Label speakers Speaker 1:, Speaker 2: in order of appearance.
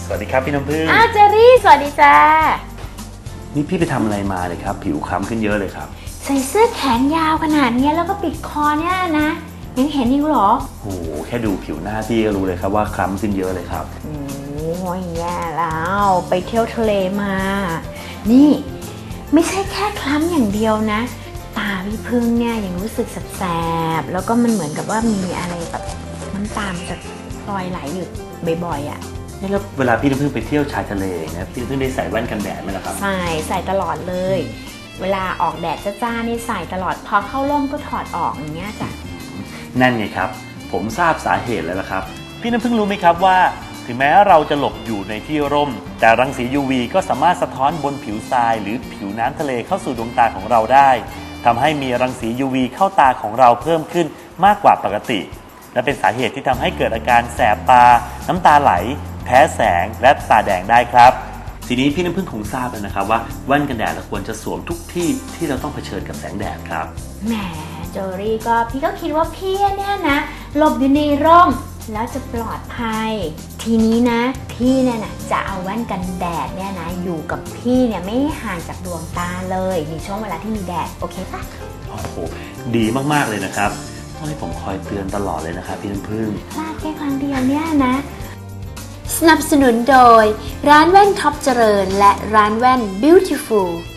Speaker 1: สวัสดีครับพี่น้ำพึ่ง
Speaker 2: เจอรี่สวัสดีจ้า
Speaker 1: นี่พี่ไปทำอะไรมาเลยครับผิวคล้ำขึ้นเยอะเลยครับ
Speaker 2: ใส่เสื้อแขนยาวขนาดนี้แล้วก็ปิดคอเนี่ยนะยังเห็นอยู่หรอ
Speaker 1: โอ้โหแค่ดูผิวหน้าพี่ก็รู้เลยครับว่าคล้ำขึ้นเยอะเลยครับ
Speaker 2: โอ้ยแย่แล้วไปเที่ยวทะเลมานี่ไม่ใช่แค่คล้ำอย่างเดียวนะตาพี่พึ่งเนี่ยยังรู้สึกแสบๆแล้วก็มันเหมือนกับว่ามีอะไรแบบน้ำตาจะลอยไหลอยู่บ่อยๆอ่ะ
Speaker 1: นี่แล้วเวลาพี่น้ำพึ่งไปเที่ยวชายทะเลนะพี่น้ำพึ่งได้ใส่แว่นกันแดดไหมล่ะครับ
Speaker 2: ใส่ตลอดเลยเวลาออกแดดจ้าๆนี่ใส่ตลอดพอเข้าร่มก็ถอดออกอย่างเงี้ยจ้ะ
Speaker 1: นั่นไงครับผมทราบสาเหตุแล้วละครับพี่น้ำพึ่งรู้ไหมครับว่าถึงแม้เราจะหลบอยู่ในที่ร่มแต่รังสี UV ก็สามารถสะท้อนบนผิวทรายหรือผิวน้ำทะเลเข้าสู่ดวงตาของเราได้ทำให้มีรังสี UV เข้าตาของเราเพิ่มขึ้นมากกว่าปกติและเป็นสาเหตุที่ทำให้เกิดอาการแสบตาน้ำตาไหลแพ้แสงและตาแดงได้ครับทีนี้พี่น้ำพึ่งคงทราบแล้วนะครับว่าแว่นกันแดดเราควรจะสวมทุกที่ที่เราต้องเผชิญกับแสงแดดครับ
Speaker 2: แหมโจรี่ก็พี่ก็คิดว่าพี่เนี่ยนะหลบอยู่ในร่มแล้วจะปลอดภัยทีนี้นะพี่เนี่ยนะจะเอาแว่นกันแดดเนี่ยนะอยู่กับพี่เนี่ยไม่ห่างจากดวงตาเลยในช่วงเวลาที่มีแดดโอเคปะ
Speaker 1: โอ้โหดีมากๆเลยนะครับต้องให้ผมคอยเตือนตลอดเลยนะครับพี่น้ำพึ่ง
Speaker 2: พลาดแค่ครั้งเดียวเนี่ยนะสนับสนุนโดยร้านแว่นท็อปเจริญและร้านแว่น Beautiful